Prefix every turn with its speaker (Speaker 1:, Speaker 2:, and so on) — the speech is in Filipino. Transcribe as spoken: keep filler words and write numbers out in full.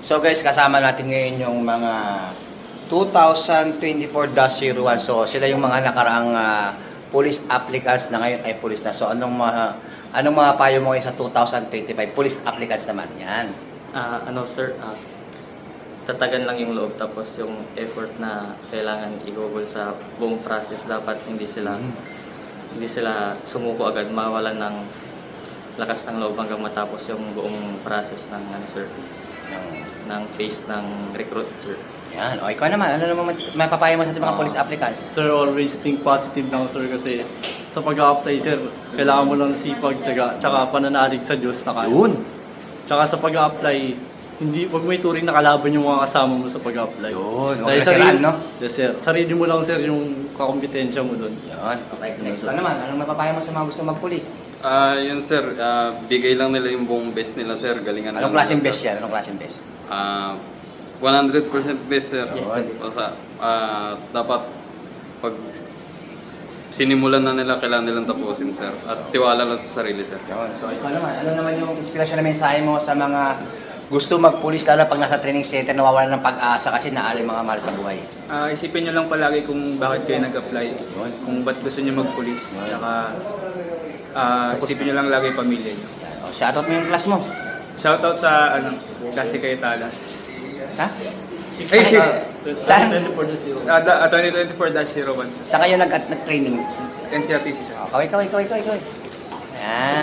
Speaker 1: So guys, kasama natin ngayon yung mga two thousand twenty-four dash zero one. So sila yung mga nakaraang uh, police applicants na ngayon ay police na. So anong mga anong mga payo mo ngayon sa two thousand twenty-five police applicants naman? Yan.
Speaker 2: Ah, ano sir, ah, tatagan lang yung loob tapos yung effort na kailangan i-google sa buong process dapat hindi sila
Speaker 1: Mm.
Speaker 2: hindi sila sumuko agad, mawalan ng lakas ng loob hanggang matapos yung buong process ng ano sir,
Speaker 1: Yung-
Speaker 2: ng phase ng recruit sir.
Speaker 1: Yan. O ikaw naman, ano naman mapapayo mo sa ating mga
Speaker 3: Ah.
Speaker 1: police applicants?
Speaker 3: Sir, always think positive lang sir kasi sa pag-a-apply sir, kailangan mo lang sipag, tsaka, tsaka pananalig sa Diyos na kaya.
Speaker 1: Yun.
Speaker 3: Tsaka sa pag-a-apply, hindi, wag mo ituring na kalaban yung mga kasama mo sa pag-a-apply.
Speaker 1: Yun. Huwag
Speaker 3: Dahil
Speaker 1: na siraan, no?
Speaker 3: Yes sir, sarili mo lang sir yung kakompetensya mo doon.
Speaker 1: Yun. Okay, next. Ano naman, anong mapapayo mo sa mga gusto mag-police?
Speaker 4: Ah, yun sir, ah, bigay lang nila yung buong best nila sir, galingan
Speaker 1: Anong
Speaker 4: lang
Speaker 1: klaseng
Speaker 4: nila,
Speaker 1: best
Speaker 4: sir.
Speaker 1: yan? Anong klaseng best?
Speaker 4: Ah, one hundred percent best sir.
Speaker 1: Yes,
Speaker 2: sir.
Speaker 4: Basta, ah, dapat pag sinimulan na nila, kailangan nilang tapusin sir. At tiwala lang sa sarili sir.
Speaker 1: Yun. So ikaw naman, ano naman yung inspirasyon na mensahe mo sa mga gusto mag-police lalo pag nasa training center nawawalan ng pag-asa kasi naalim mga mahal sa buhay?
Speaker 5: Ah, isipin nyo lang palagi kung bakit kayo nag-apply, kung ba't gusto nyo mag-police, tsaka ah, isipin nyo lang lagi yung pamilya nyo.
Speaker 1: O, shoutout mo yung class mo.
Speaker 5: Shoutout sa ano, klase kayo Talas.
Speaker 1: Sa?
Speaker 5: Ay, si,
Speaker 1: Saan?
Speaker 3: twenty-four to zero.
Speaker 5: uh, twenty twenty-four dash zero one,
Speaker 1: Sa kayo nag- nag-training?
Speaker 5: N C R T C sir.
Speaker 1: O, kaway, kaway, kaway, kaway, kaway. Ayan.